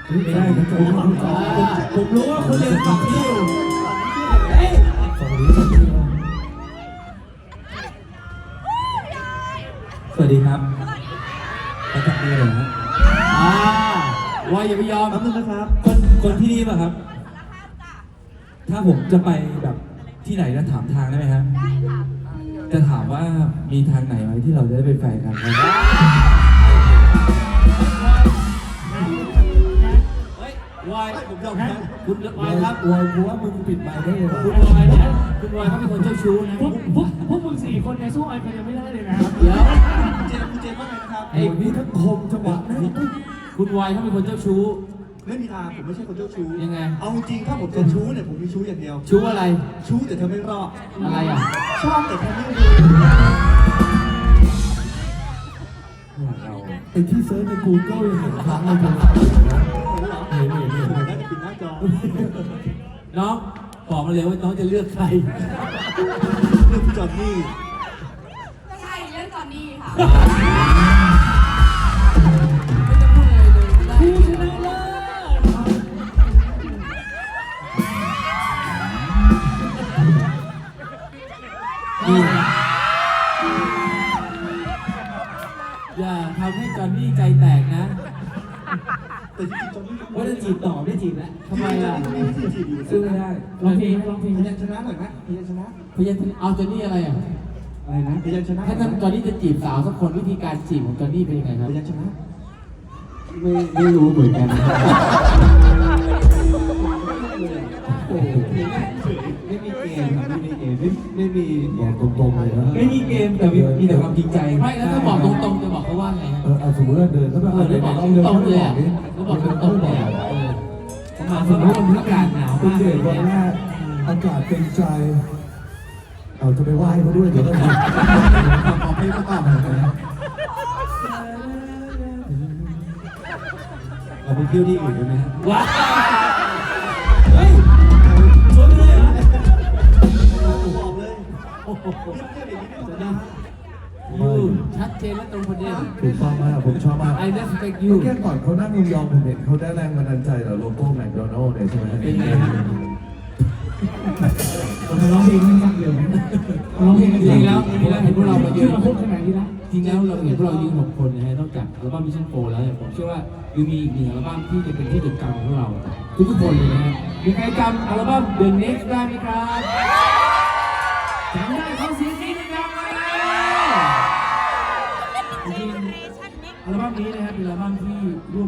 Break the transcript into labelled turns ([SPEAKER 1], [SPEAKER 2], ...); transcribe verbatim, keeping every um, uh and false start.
[SPEAKER 1] ไม่ได้ผมผมผมรู้ว่าคุณเรียนฝั่งนี้อยู่ฝั่งนี้ฝั่งนี้สวัสดีครับมาจากนี่เหรอฮะ
[SPEAKER 2] อ่าวายอย่าไปยอม
[SPEAKER 1] แป๊บนึงนะครับคนคนที่นี่ป่ะครับถ้าผมจะไปแบบที่ไหนแล้วถามทางได้ไหมครับได้ค่ะจะถามว่ามีทางไหนไหมที่เราจะได้เป็นแฟนกันครับ
[SPEAKER 2] เฮ้ยวายผมยอมครับคุณวายครับ
[SPEAKER 1] วายกูว่ามึงปิดไมค์ได้เลย
[SPEAKER 2] คุณวายเนี่ยคุณวายเขาเป็นคนเจ้าชู้นะ
[SPEAKER 3] พวกพวกพวกมึงสี่คนในสู้ไอ้คนยังไม่ได้เลยนะครับ
[SPEAKER 2] เดี๋ยว
[SPEAKER 1] เจมส์เจมส์ว่าไงนะครับ
[SPEAKER 2] ไอ้
[SPEAKER 1] นี่ทั้งคมจังหวะนะ
[SPEAKER 2] คุณวายเขาเป็นคนเจ้าชู้
[SPEAKER 4] ไม่มีทางผมไม่ใช่คนเจ้าชู้
[SPEAKER 2] ยังไง
[SPEAKER 4] เอาจริงๆถ้าผมจะชู้เนี่ยผมมีชู้อย่างเดียว
[SPEAKER 2] ชู้อะไร
[SPEAKER 4] ชู้แต่เธอไม่รอด
[SPEAKER 2] อะไรอ่ะ
[SPEAKER 4] ชอบแต่เธอไม่รู้
[SPEAKER 1] ไอ้ที่เซิร์ชใน Google ยังเห็นครั้งในโทรศัพท์เห็นเห็นเห็น
[SPEAKER 4] น่าจะปิดหน้าจอ
[SPEAKER 2] น้องบอกมาเลยว่าน้องจะเลือกใคร
[SPEAKER 4] เรื่องพี่จอห์นนี่
[SPEAKER 5] ใช่เรื่องจอนนี่ค่ะ
[SPEAKER 2] ไม่จะพูดอะไรเลยไม่ได้
[SPEAKER 3] ผู้ชนะเลิศ
[SPEAKER 2] นี่อย่าทำให้จอนนี่ใจแตกนะ
[SPEAKER 4] แต่จริงๆจอห์นนี่
[SPEAKER 1] ว่าจะจีบต่อไม่จีบแล้ว
[SPEAKER 2] ทำไมล่ะ
[SPEAKER 4] จอห์นนี่มีวิธีจีบอยู่
[SPEAKER 1] สู้ไม่ได้
[SPEAKER 3] ลองเพลงลองเพลง
[SPEAKER 4] พยัญชนะหน่อยนะพยัญชนะ
[SPEAKER 2] พยัญชนะเอาจอนนี่อะไรอ่ะ
[SPEAKER 1] อะไรนะ
[SPEAKER 4] พยัญชนะ
[SPEAKER 2] ถ้าจอนนี่จะจีบสาวสักคนวิธีการจีบของจอนนี่เป็นยังไงครับ
[SPEAKER 4] พยัญชนะ
[SPEAKER 1] ไม่ไม่รู้เหมือนกันโอ้โหไม่มีเกมครับไม่มีเกมไม่ไม่มีบอกตรงๆเลยนะไม่มีเกมแต่มีแต่ความจริงใจ
[SPEAKER 2] ไม่แล้วถ้าบอกตรงๆจะบอกเขาว่าไงครับ
[SPEAKER 1] เออเอาสมมติว่าเดินเข้าไป
[SPEAKER 2] เออได้บอกตรงๆเลยอ่ะก็บอกตรงๆเลยอ่ะเออประมาณสมมติว่ามันอากาศหนาว
[SPEAKER 1] คุณ
[SPEAKER 2] มาก
[SPEAKER 1] เดชวันแรกอากาศเป็นใจ เอาจะไปไหว้เขาด้วยเดี๋ยวต้องขอเพลงประกอบหน่อยนะเราไปเที่ยวที่อื่นกันไหมฮะ
[SPEAKER 2] ว้าวเฮ้ยชวนไปเลยเหรอ
[SPEAKER 4] บอกเลย
[SPEAKER 2] โอ้โห
[SPEAKER 4] เรื่องอย่างนี้ไม่ต้องนะ
[SPEAKER 2] ยูชัดเจนและตรงประเด็น
[SPEAKER 1] ถูกต้องมากผมชอบมาก
[SPEAKER 2] I respect you
[SPEAKER 1] แค่ก่อนเขานั่งยองๆผมเห็นเขาได้แรงบันดาลใจจากโลโก้แมคโดนัลด์เนี่ยใช่ไหม
[SPEAKER 2] เป็นไงฮะ
[SPEAKER 3] ผมร้องเพลงไม่ฟังเดียวร้องเพลง
[SPEAKER 2] จริงๆแล้วจริงๆแล้วเห็นพวกเรามาเย
[SPEAKER 3] ชื่อ
[SPEAKER 2] อะ
[SPEAKER 3] มาพูดขนาดนี้แล้ว
[SPEAKER 2] จริงแล้วเราเห็นพวกเรายืนหกคนนะฮะนอกจากอัลบั้มมิชชั่นโฟร์แล้วเนี่ยผมเชื่อว่ายังมีอีกหนึ่งอัลบั้มที่จะเป็นที่จดจำของพวกเราทุกๆคนเลยนะฮะมีใครจำอัลบั้ม The Next ได้ไหมครับจำได้เขาเสียงกรี๊ดดังเลยจริงๆอัลบั้มนี้นะครับเป็นอัลบั้มที่รวบ